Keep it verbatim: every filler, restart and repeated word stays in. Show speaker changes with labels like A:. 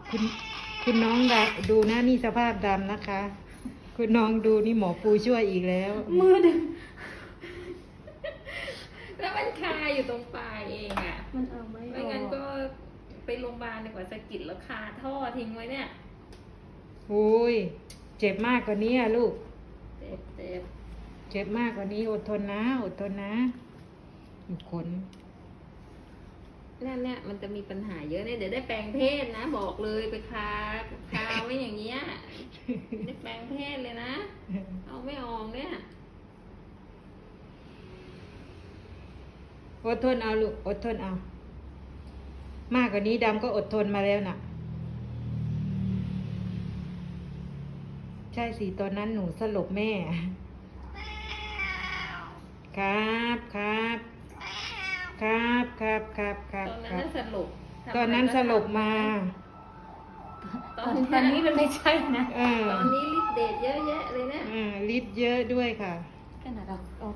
A: คุณคุณน้องดาดูนะนี่สภาพดำนะคะ คุณน้องดูนี่หมอปูช่วยอีกแล้ว
B: มือดึง
C: แล้วมันคาอยู่ตรงปลายเองอ่ะ
B: มันเอาไม่
C: ไม่
B: ออ
C: งั้น
B: ก
C: ก็ไปโรงพยาบาลดีกว่าสะกิดแล้วคาท่อทิ้งไว้เนี่ย
A: โอ้ยเจ็บมากกว่านี้อะลูก
C: เจ็บเจ็บ
A: เจ็บมากกว่านี้อดทนนะอดทนนะขน
C: เนี่ยเนี่ยมันจะมีปัญหาเยอะเนี่ยเดี๋ยวได้แปลงเพศนะ บอกเลยไปคาคาไว้อย่างเงี้ยได้แปลงเพศเลยนะ เอาไม่ออกเนี่ย
A: อดทนเอาลูกอดทนเอา มากกว่านี้ดำก็อดทนมาแล้วน่ะ ใช่สิตอนนั้นหนูสลบแม่ ครับครับครับครับครับค
C: ต
A: รั
C: อบ น
A: ค
C: นั้น
A: รับ
C: น่ะสลบทำ
A: ตอนนั้นสลบมา
C: ต
B: ต
C: อ
B: อน
C: น
B: ตอนนี้
C: นี้
B: มันไม่ใช่นะ
A: เออ
C: ตอนนี้ฤทธิ์เดชเยอะแยะเลยเนี่ย
A: อ่าฤทธิ์เยอะด้วยค่ะ
B: ขนาดเรา